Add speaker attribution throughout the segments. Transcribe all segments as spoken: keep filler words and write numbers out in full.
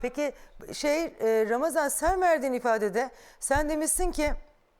Speaker 1: Peki şey e, Ramazan, sen verdiğin ifadede sen demişsin ki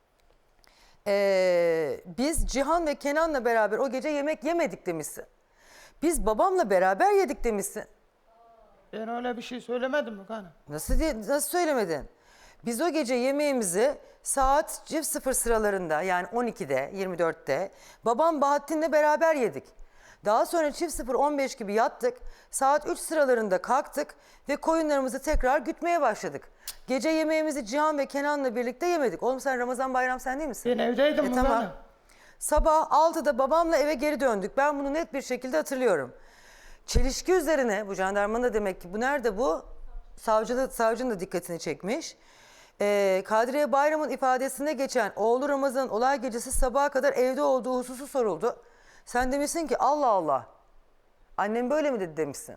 Speaker 1: e, biz Cihan ve Kenan'la beraber o gece yemek yemedik demişsin. Biz babamla beraber yedik demişsin.
Speaker 2: Ben öyle bir şey söylemedim mi hanım?
Speaker 1: Nasıl diye, nasıl söylemedin? Biz o gece yemeğimizi saat çift sıfır sıralarında, yani on ikide yirmi dörtte babam Bahattin'le beraber yedik. Daha sonra çift sıfır on beş gibi yattık. Saat üç sıralarında kalktık ve koyunlarımızı tekrar gütmeye başladık. Gece yemeğimizi Cihan ve Kenan'la birlikte yemedik. Oğlum sen Ramazan Bayram sen değil misin?
Speaker 2: Ben evdeydim
Speaker 1: E,
Speaker 2: mi
Speaker 1: tamam.
Speaker 2: hanım?
Speaker 1: Sabah altıda babamla eve geri döndük. Ben bunu net bir şekilde hatırlıyorum. Çelişki üzerine bu jandarmanın da demek ki bu nerede bu? Savcı, savcının da dikkatini çekmiş. Ee, Kadriye Bayram'ın ifadesine geçen oğlu Ramazan'ın olay gecesi sabaha kadar evde olduğu hususu soruldu. Sen demişsin ki Allah Allah. Annem böyle mi dedi demişsin.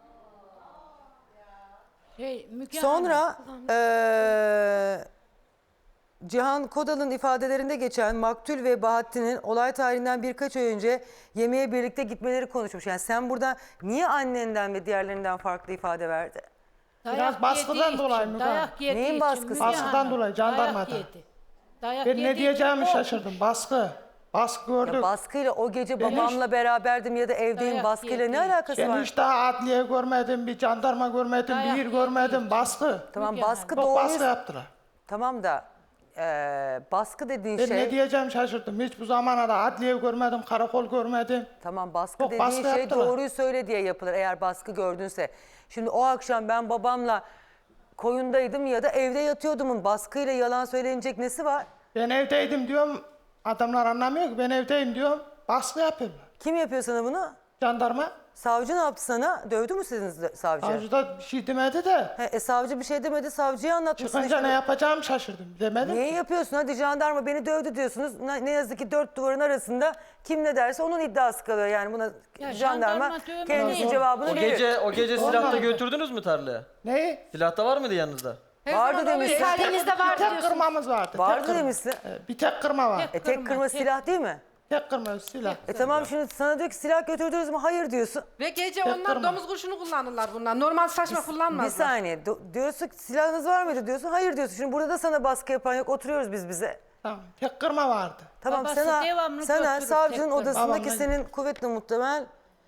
Speaker 3: Şey, Müge
Speaker 1: Sonra
Speaker 3: Hanım,
Speaker 1: ee, Cihan Kodal'ın ifadelerinde geçen Maktul ve Bahattin'in olay tarihinden birkaç ay önce yemeğe birlikte gitmeleri konuşmuş. Yani sen burada niye annenden ve diğerlerinden farklı ifade verdi?
Speaker 3: dayak
Speaker 2: Biraz baskıdan
Speaker 3: yediği
Speaker 2: dolayı
Speaker 3: için,
Speaker 2: Müge
Speaker 3: dayak
Speaker 2: Hanım.
Speaker 3: yediği
Speaker 1: Neyin
Speaker 3: için,
Speaker 1: baskısı?
Speaker 3: Müge
Speaker 2: Baskıdan
Speaker 3: Hanım,
Speaker 2: dolayı, jandarmadan.
Speaker 3: dayak yedi. Dayak
Speaker 2: Ben
Speaker 3: yediği
Speaker 2: ne diyeceğimi
Speaker 3: için
Speaker 2: şaşırdım. Baskı. Baskı gördük.
Speaker 1: Ya baskıyla o gece
Speaker 2: Ben hiç-
Speaker 1: babamla beraberdim ya da evdeyim
Speaker 3: Dayak
Speaker 1: baskıyla ne
Speaker 3: yedi.
Speaker 1: alakası
Speaker 2: Ben
Speaker 1: var?
Speaker 2: hiç daha adliye görmedim, bir jandarma görmedim,
Speaker 3: Dayak
Speaker 2: bir yer
Speaker 3: yedi.
Speaker 2: görmedim. Baskı.
Speaker 1: Tamam
Speaker 3: Müge
Speaker 1: baskı
Speaker 2: Çok
Speaker 1: doğruyu...
Speaker 2: baskı yaptılar.
Speaker 1: Tamam da eee, baskı dediğin
Speaker 2: Ben
Speaker 1: şey...
Speaker 2: ne diyeceğimi şaşırdım. Hiç bu zamana da adliye görmedim, karakol görmedim.
Speaker 1: Tamam baskı
Speaker 2: Çok
Speaker 1: dediğin
Speaker 2: baskı
Speaker 1: şey
Speaker 2: yaptılar.
Speaker 1: doğruyu söyle diye yapılır eğer baskı gördünse. Şimdi o akşam ben babamla koyundaydım ya da evde yatıyordumun baskıyla yalan söylenecek nesi var?
Speaker 2: Ben evdeydim diyorum, adamlar anlamıyor ki ben evdeyim diyorum, baskı yapıyorlar.
Speaker 1: Kim yapıyor sana bunu?
Speaker 2: Jandarma,
Speaker 1: Savcı ne yaptı sana? Dövdü mü sizin savcı?
Speaker 2: savcı da bir şey demedi de,
Speaker 1: He, e, savcı bir şey demedi, savcıya anlatmışsın
Speaker 2: çıkınca
Speaker 1: işte.
Speaker 2: ne yapacağımı şaşırdım, demedim
Speaker 1: Niye
Speaker 2: ki.
Speaker 1: yapıyorsun? Hadi jandarma beni dövdü diyorsunuz. Ne, ne yazık ki dört duvarın arasında kim ne derse onun iddiası kalıyor. Yani buna
Speaker 3: Ya
Speaker 1: jandarma
Speaker 3: jandarma dövme
Speaker 1: kendisi
Speaker 3: değil.
Speaker 1: cevabını
Speaker 4: O
Speaker 1: verir.
Speaker 4: gece o gece silah da
Speaker 2: Olmadı.
Speaker 4: götürdünüz mü tarlaya?
Speaker 2: Neyi?
Speaker 4: Silah da var mıydı yanınızda?
Speaker 1: Vardı demişsin.
Speaker 5: İfadenizde
Speaker 2: Bir
Speaker 5: var
Speaker 2: tek
Speaker 5: diyorsunuz.
Speaker 2: kırmamız vardı.
Speaker 1: Vardı
Speaker 2: tek kırma.
Speaker 1: demişsin.
Speaker 2: Evet, bir tek kırma var.
Speaker 1: E tek
Speaker 3: Kırma,
Speaker 1: kırma
Speaker 3: tek-
Speaker 1: silah değil mi?
Speaker 2: Tek kırma silah.
Speaker 1: E tamam şimdi sana diyor ki silah götürdünüz mü? Hayır diyorsun.
Speaker 5: Ve gece
Speaker 2: Tek
Speaker 5: onlar
Speaker 2: kırma.
Speaker 5: domuz kurşunu kullanırlar bunlar. Normal saçma
Speaker 1: Bir
Speaker 5: kullanmazlar.
Speaker 1: saniye. Do- diyorsun ki silahınız var mıydı diyorsun. Hayır diyorsun. Şimdi burada da sana baskı yapan yok. Oturuyoruz biz bize.
Speaker 2: Tamam, tek kırma vardı.
Speaker 1: Tamam
Speaker 3: Babası
Speaker 1: sana,
Speaker 3: devamlı
Speaker 1: sana
Speaker 3: götürür,
Speaker 1: savcının
Speaker 3: tek-
Speaker 1: odasındaki
Speaker 2: Babamla-
Speaker 1: senin kuvvetli muhtemel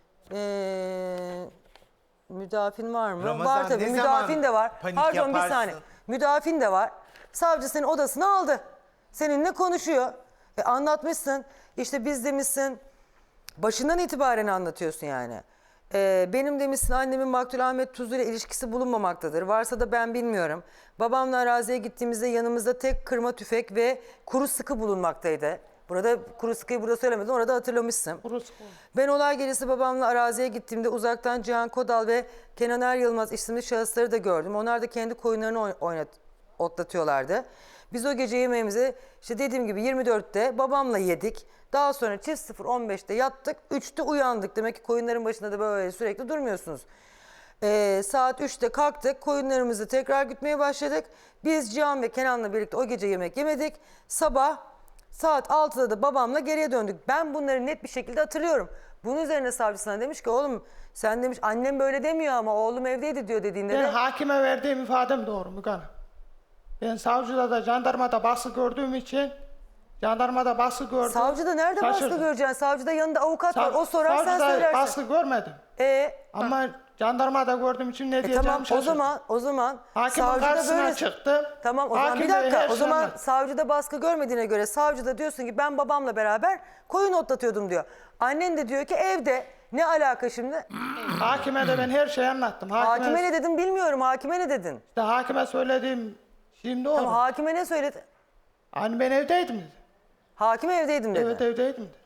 Speaker 1: eee müdafin var mı?
Speaker 6: Ramazan,
Speaker 1: var tabii.
Speaker 6: ne
Speaker 1: Müdafin
Speaker 6: zaman
Speaker 1: de var.
Speaker 6: panik
Speaker 1: Pardon bir
Speaker 6: yaparsın?
Speaker 1: saniye. Müdafin de var. Savcı senin odasına aldı. Seninle konuşuyor. E, anlatmışsın. İşte biz demişsin. Başından itibaren anlatıyorsun yani. Ee, benim demişsin annemin Maktul Ahmet Tuzlu ile ilişkisi bulunmamaktadır. Varsa da ben bilmiyorum. Babamla araziye gittiğimizde yanımızda tek kırma tüfek ve kuru sıkı bulunmaktaydı. Burada kuru sıkıyı burada söylemedim, orada hatırlamışsın.
Speaker 2: Burası.
Speaker 1: Ben olay gecesi babamla araziye gittiğimde uzaktan Cihan Kodal ve Kenan Er Yılmaz isimli şahısları da gördüm. Onlar da kendi koyunlarını oy- oynat, otlatıyorlardı. Biz o gece yemeğimizi işte dediğim gibi yirmi dörtte babamla yedik. Daha sonra çift sıfır on beşte yattık, üçte uyandık. Demek ki koyunların başında da böyle sürekli durmuyorsunuz. Ee, saat üçte kalktık, koyunlarımızı tekrar gütmeye başladık. Biz Cihan ve Kenan'la birlikte o gece yemek yemedik. Sabah saat altıda da babamla geriye döndük. Ben bunları net bir şekilde hatırlıyorum. Bunun üzerine savcı sana demiş ki oğlum sen demiş annem böyle demiyor ama oğlum evdeydi diyor dediğinde
Speaker 2: Ben
Speaker 1: de.
Speaker 2: hakime verdiğim ifadem doğru Müge Hanım. Ben savcıda da jandarmada baskı gördüğüm için jandarmada baskı gördüm.
Speaker 1: Savcıda nerede baskı
Speaker 2: Şaşırdım.
Speaker 1: göreceksin? Savcıda yanında avukat var.
Speaker 2: Sav-
Speaker 1: O sorar sen
Speaker 2: savcıda
Speaker 1: söylersin.
Speaker 2: baskı görmedim.
Speaker 1: E,
Speaker 2: Ama jandarmada gördüğüm için ne
Speaker 1: e
Speaker 2: diyeceğimi
Speaker 1: tamam o
Speaker 2: şaşırdım.
Speaker 1: zaman o zaman
Speaker 2: Hakimin
Speaker 1: savcıda
Speaker 2: karşısına
Speaker 1: böyle.
Speaker 2: çıktım.
Speaker 1: Tamam o zaman
Speaker 2: Hakim
Speaker 1: bir
Speaker 2: Bey
Speaker 1: dakika.
Speaker 2: her
Speaker 1: O
Speaker 2: şeyi
Speaker 1: zaman
Speaker 2: anlattı.
Speaker 1: savcıda baskı görmediğine göre savcıda diyorsun ki ben babamla beraber koyun otlatıyordum diyor. Annen de diyor ki evde. Ne alaka şimdi?
Speaker 2: Hakime de ben her şeyi anlattım. Hakime,
Speaker 1: Hakime ne dedin bilmiyorum. Hakime ne dedin?
Speaker 2: işte hakime söylediğim şimdi doğru.
Speaker 1: Tamam hakime ne söyledi?
Speaker 2: Hani ben evdeydim dedi.
Speaker 1: Hakim evdeydim dedi.
Speaker 2: Evet evdeydim dedi.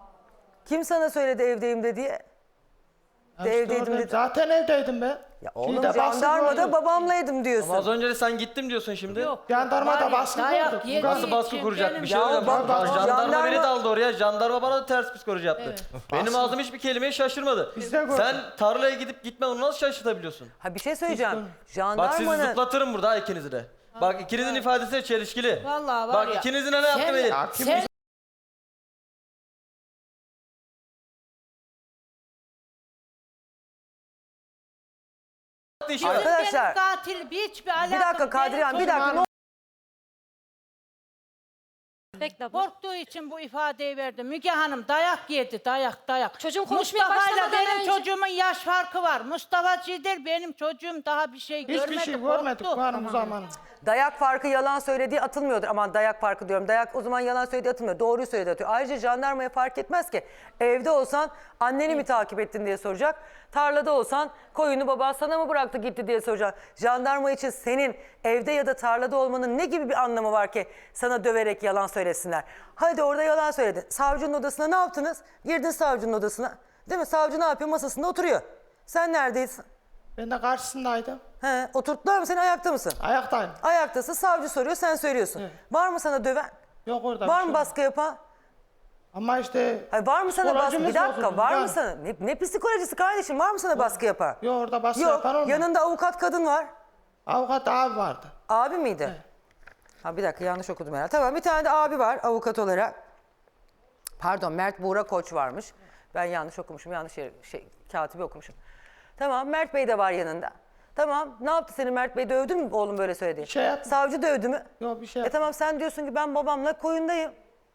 Speaker 1: Kim sana söyledi evdeyim de diye?
Speaker 2: Ya
Speaker 1: De
Speaker 2: işte
Speaker 1: evdeydim
Speaker 2: orada-
Speaker 1: dedi.
Speaker 2: Zaten evdeydim ben.
Speaker 1: Ya oğlum
Speaker 2: Şeyde baskı
Speaker 1: jandarmada
Speaker 2: gördüm.
Speaker 1: babamlaydım diyorsun.
Speaker 4: Ama az önce de sen gittim diyorsun şimdi.
Speaker 3: Yok.
Speaker 2: Jandarmada
Speaker 3: var ya,
Speaker 2: baskı
Speaker 3: dayak
Speaker 2: gördük.
Speaker 3: yediği
Speaker 4: Nasıl baskı
Speaker 3: için
Speaker 4: kuracak
Speaker 3: benim-
Speaker 4: bir şey
Speaker 1: Ya
Speaker 4: hocam.
Speaker 1: bak-
Speaker 4: Jandarma,
Speaker 1: jandarma-
Speaker 4: beni daldı oraya. Jandarma bana da ters psikoloji yaptı. Benim ağzım hiçbir kelimeyi şaşırmadı.
Speaker 2: Biz de gördük.
Speaker 4: Sen tarlaya gidip gitme onu nasıl şaşırtabiliyorsun?
Speaker 1: Ha bir şey söyleyeceğim.
Speaker 2: Biz-
Speaker 4: Bak sizi
Speaker 1: Jandarmanın
Speaker 4: zıplatırım burada ha, ikinizi de. Bak ikinizin ifadesi de çelişkili.
Speaker 3: Vallahi var
Speaker 4: Bak
Speaker 3: ya.
Speaker 4: ikinizin ne yaptı
Speaker 3: Sen-
Speaker 4: belli.
Speaker 3: Sen Bizim
Speaker 1: Arkadaşlar,
Speaker 3: benim katil hiçbir alakam.
Speaker 1: Bir dakika Kadriye Hanım, bir dakika. Ne
Speaker 6: Bekle abla.
Speaker 3: Korktuğu için bu ifadeyi verdi. Müge Hanım dayak yedi, dayak dayak.
Speaker 6: Çocuğun konuşmaya
Speaker 3: Mustafa'yla
Speaker 6: başlamadan
Speaker 3: benim
Speaker 6: önce-
Speaker 3: çocuğumun yaş farkı var. Mustafa Cider benim çocuğum daha bir şey görmedi.
Speaker 2: Hiçbir şey görmedik
Speaker 3: korktu.
Speaker 2: bu hanım bu zaman.
Speaker 1: Dayak farkı yalan söylediği atılmıyordur. Aman dayak farkı diyorum. Dayak o zaman yalan söylediği atılmıyor. Doğruyu söylediği atıyor. Ayrıca jandarmaya fark etmez ki. Evde olsan anneni mi takip ettin diye soracak. Tarlada olsan koyunu baban sana mı bıraktı gitti diye soracak. Jandarma için senin evde ya da tarlada olmanın ne gibi bir anlamı var ki sana döverek yalan söylesinler. Hadi orada yalan söyledin. Savcının odasına ne yaptınız? Girdin savcının odasına. Değil mi? Savcı ne yapıyor? Masasında oturuyor. Sen neredeydin?
Speaker 2: Ben de karşısındaydım.
Speaker 1: He, oturttular mı? Sen ayakta mısın?
Speaker 2: Ayaktayım.
Speaker 1: Ayaktasın, savcı soruyor, sen söylüyorsun.
Speaker 2: Evet.
Speaker 1: Var mı sana döven?
Speaker 2: Yok orada.
Speaker 1: Var
Speaker 2: bir
Speaker 1: mı
Speaker 2: şey
Speaker 1: baskı yapan?
Speaker 2: Ama işte...
Speaker 1: Hayır, var mı sana baskı?
Speaker 2: psikolojimiz
Speaker 1: Bir dakika,
Speaker 2: bozuldu,
Speaker 1: var mı
Speaker 2: yani.
Speaker 1: sana? Ne, ne psikolojisi kardeşim? Var mı sana baskı yapan?
Speaker 2: Yok orada baskı
Speaker 1: Yok,
Speaker 2: yapan olmadı.
Speaker 1: yanında avukat kadın var.
Speaker 2: Avukat abi vardı.
Speaker 1: Abi miydi? Ha, bir dakika, yanlış okudum herhalde. Tamam, bir tane de abi var avukat olarak. Pardon, Mert Buğra Koç varmış. Ben yanlış okumuşum, yanlış yer, şey, katibi okumuşum. Tamam, Mert Bey de var yanında. Tamam, ne yaptı seni Mert Bey? Dövdün mü oğlum böyle söyledi?
Speaker 2: Bir şey yapmadı.
Speaker 1: Savcı dövdü mü?
Speaker 2: Yok bir şey
Speaker 1: E
Speaker 2: yapmadı.
Speaker 1: tamam, sen diyorsun ki ben babamla koyundayım.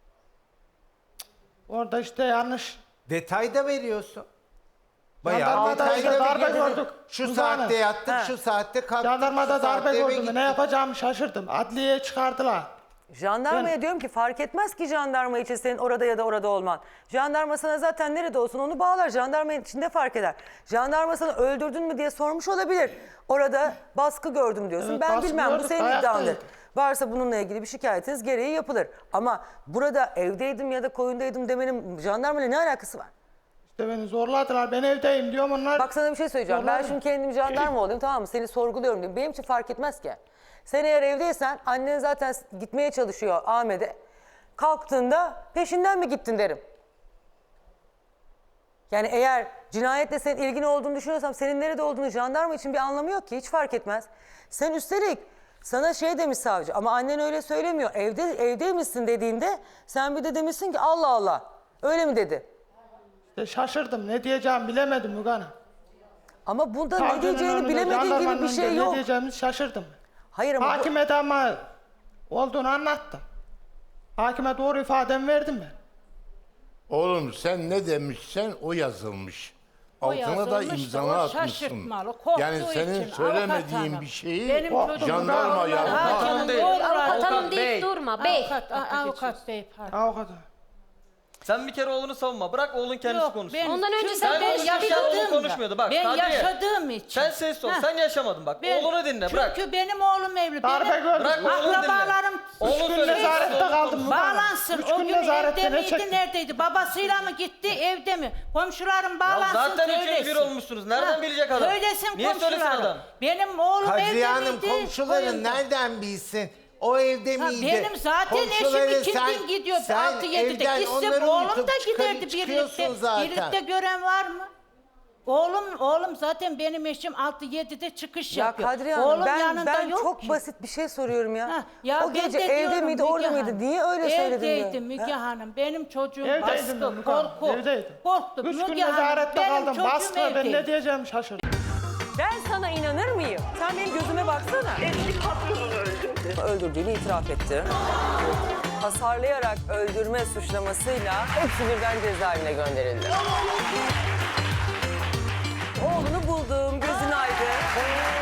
Speaker 2: Orada işte yanlış.
Speaker 7: Detay da veriyorsun. Bayağı
Speaker 2: Jandarmada
Speaker 7: detaylı
Speaker 2: işte
Speaker 7: bir
Speaker 2: darbe
Speaker 7: gezi.
Speaker 2: gördük.
Speaker 7: Şu
Speaker 2: Uzağına.
Speaker 7: saatte yattık,
Speaker 1: Ha.
Speaker 7: şu saatte kalktık.
Speaker 2: Jandarmada
Speaker 7: şu
Speaker 2: darbe
Speaker 7: saatte eve
Speaker 2: gördüm.
Speaker 7: gittik.
Speaker 2: Ne yapacağımı şaşırdım. Adliyeye çıkardılar.
Speaker 1: Jandarmaya
Speaker 2: Ben-
Speaker 1: diyorum ki fark etmez ki jandarma için senin orada ya da orada olman. Jandarma sana zaten nerede olsun onu bağlar. Jandarma içinde fark eder. Jandarma sana öldürdün mü diye sormuş olabilir. Orada baskı gördüm diyorsun.
Speaker 2: Evet,
Speaker 1: ben
Speaker 2: baskı
Speaker 1: bilmem bu
Speaker 2: gördük,
Speaker 1: senin
Speaker 2: ayaktaydık.
Speaker 1: iddiandır. Varsa bununla ilgili bir şikayetiniz gereği yapılır. Ama burada evdeydim ya da koyundaydım demenin jandarmayla ne alakası var?
Speaker 2: İşte beni zorladılar. Ben evdeyim diyorum onlar.
Speaker 1: Bak sana bir şey söyleyeceğim. Ben
Speaker 2: Zorladı.
Speaker 1: şimdi kendim jandarma olayım, tamam mı? Seni sorguluyorum diyeyim. Benim için fark etmez ki. Sen eğer evdeysen annen zaten gitmeye çalışıyor Ahmet'e. Kalktığında peşinden mi gittin derim. Yani eğer cinayetle senin ilgin olduğunu düşünüyorsam senin nerede olduğunu jandarma için bir anlamı yok ki. Hiç fark etmez. Sen üstelik sana şey demiş savcı ama annen öyle söylemiyor. Evde evdeymişsin dediğinde sen bir de demişsin ki Allah Allah. Öyle mi dedi?
Speaker 2: İşte şaşırdım. Ne diyeceğimi bilemedim Müge Hanım.
Speaker 1: Ama bunda ne
Speaker 2: Savcının
Speaker 1: diyeceğini
Speaker 2: önünde,
Speaker 1: bilemediğin gibi
Speaker 2: jandarmanın
Speaker 1: bir şey
Speaker 2: önünde
Speaker 1: yok.
Speaker 2: Ne diyeceğimi şaşırdım.
Speaker 1: Hayır ama bu-
Speaker 2: Hakime de ama olduğunu anlattım. Hakime doğru ifademi verdim ben.
Speaker 8: Oğlum sen ne demişsen o yazılmış. Altına da
Speaker 3: yazılmış da
Speaker 8: imzanı
Speaker 3: o
Speaker 8: atmışsın.
Speaker 3: şaşırtmalı, korktuğu
Speaker 8: Yani senin
Speaker 3: için,
Speaker 8: söylemediğin
Speaker 3: avukat hanım.
Speaker 8: bir şeyi
Speaker 3: Benim çocuğum
Speaker 8: jandarma
Speaker 3: doğrular,
Speaker 8: yapmaz.
Speaker 3: hakimin
Speaker 4: değil.
Speaker 3: doğrular.
Speaker 6: Avukat hanım
Speaker 4: Avukat bey.
Speaker 6: deyip durma. Bey.
Speaker 3: Avukat, a- avukat bey pardon.
Speaker 2: Avukat.
Speaker 4: Sen bir kere oğlunu savunma. Bırak oğlun kendisi
Speaker 3: Yok,
Speaker 4: konuşsun.
Speaker 3: ben-
Speaker 6: Ondan önce
Speaker 3: çünkü
Speaker 6: sen
Speaker 3: ben
Speaker 6: konuştun, bir
Speaker 3: yaşadığımda-
Speaker 4: oğlum konuşmuyordu. Bak,
Speaker 3: Ben
Speaker 4: Kadriye.
Speaker 3: yaşadığım için.
Speaker 4: Sen sessiz ol.
Speaker 3: Heh.
Speaker 4: Sen yaşamadın bak.
Speaker 3: Ben-
Speaker 4: Oğlunu dinle.
Speaker 3: Çünkü
Speaker 4: Bırak.
Speaker 3: benim oğlum evli.
Speaker 2: Darbe
Speaker 3: Benim
Speaker 2: gördük.
Speaker 4: Bırak oğlunu dinle.
Speaker 3: akrabalarım
Speaker 4: Oğlun
Speaker 2: Üç gün
Speaker 4: söyle.
Speaker 2: nezarette kaldım Müge Hanım.
Speaker 3: bağlansın.
Speaker 2: Üç
Speaker 3: O
Speaker 2: gün
Speaker 3: gün
Speaker 2: nezarette
Speaker 3: evde
Speaker 2: ne
Speaker 3: miydi,
Speaker 2: çektim?
Speaker 3: neredeydi? Babasıyla mı gitti, evde mi? Komşularım
Speaker 4: Ya
Speaker 3: bağlansın,
Speaker 4: zaten
Speaker 3: söylesin.
Speaker 4: üçüncü bir olmuşsunuz. Nereden
Speaker 3: Ha,
Speaker 4: bilecek adam?
Speaker 3: Söylesin
Speaker 4: Niye söylesin
Speaker 3: komşularım.
Speaker 4: adam?
Speaker 3: Benim oğlum
Speaker 7: Kadriye
Speaker 3: evde
Speaker 7: Hanım
Speaker 3: miydi?
Speaker 7: komşuların
Speaker 3: koyunda.
Speaker 7: nereden bilsin? O evde
Speaker 3: Ha,
Speaker 7: miydi?
Speaker 3: benim zaten
Speaker 7: Komşuları
Speaker 3: eşim
Speaker 7: sen-
Speaker 3: ikindin gidiyor
Speaker 7: sen
Speaker 3: altı yedide.
Speaker 7: evden
Speaker 3: Gitse
Speaker 7: onları
Speaker 3: oğlum
Speaker 7: uyutup
Speaker 3: da
Speaker 7: çıkarıp
Speaker 3: giderdi
Speaker 7: çıkıyorsun
Speaker 3: birlikte.
Speaker 7: zaten.
Speaker 3: Birlikte gören var mı? Oğlum oğlum zaten benim eşim altı yedide çıkış
Speaker 1: Ya
Speaker 3: yapıyor.
Speaker 1: Kadriye Hanım
Speaker 3: oğlum
Speaker 1: ben,
Speaker 3: yanında
Speaker 1: ben
Speaker 3: yok
Speaker 1: çok
Speaker 3: ki.
Speaker 1: basit bir şey soruyorum ya.
Speaker 3: Ha, ya
Speaker 1: o
Speaker 3: ben
Speaker 1: gece
Speaker 3: de
Speaker 1: evde
Speaker 3: diyorum
Speaker 1: miydi
Speaker 3: Müge
Speaker 1: orada mıydı?
Speaker 3: Hanım.
Speaker 1: Niye öyle söyledin diyor.
Speaker 3: Evdeydim Müge
Speaker 1: Ha?
Speaker 3: Hanım. Benim çocuğum
Speaker 2: Evdeydim
Speaker 3: baskı,
Speaker 2: ben Müge Hanım,
Speaker 3: korku.
Speaker 2: evdeydim.
Speaker 3: Korktu.
Speaker 2: Üç gün
Speaker 3: Müge Hanım,
Speaker 2: nezarette
Speaker 3: benim
Speaker 2: kaldım.
Speaker 3: çocuğum
Speaker 2: Baskı ben
Speaker 3: evdeydi.
Speaker 2: ne diyeceğimi şaşırdım.
Speaker 1: Ben sana inanır mıyım? Sen benim gözüme baksana.
Speaker 9: Eski patronunu öldürdü.
Speaker 1: Öldürdüğünü itiraf etti. Hasarlayarak öldürme suçlamasıyla hepsi birden cezaevine gönderildi. Oğlunu buldum, gözün aydın.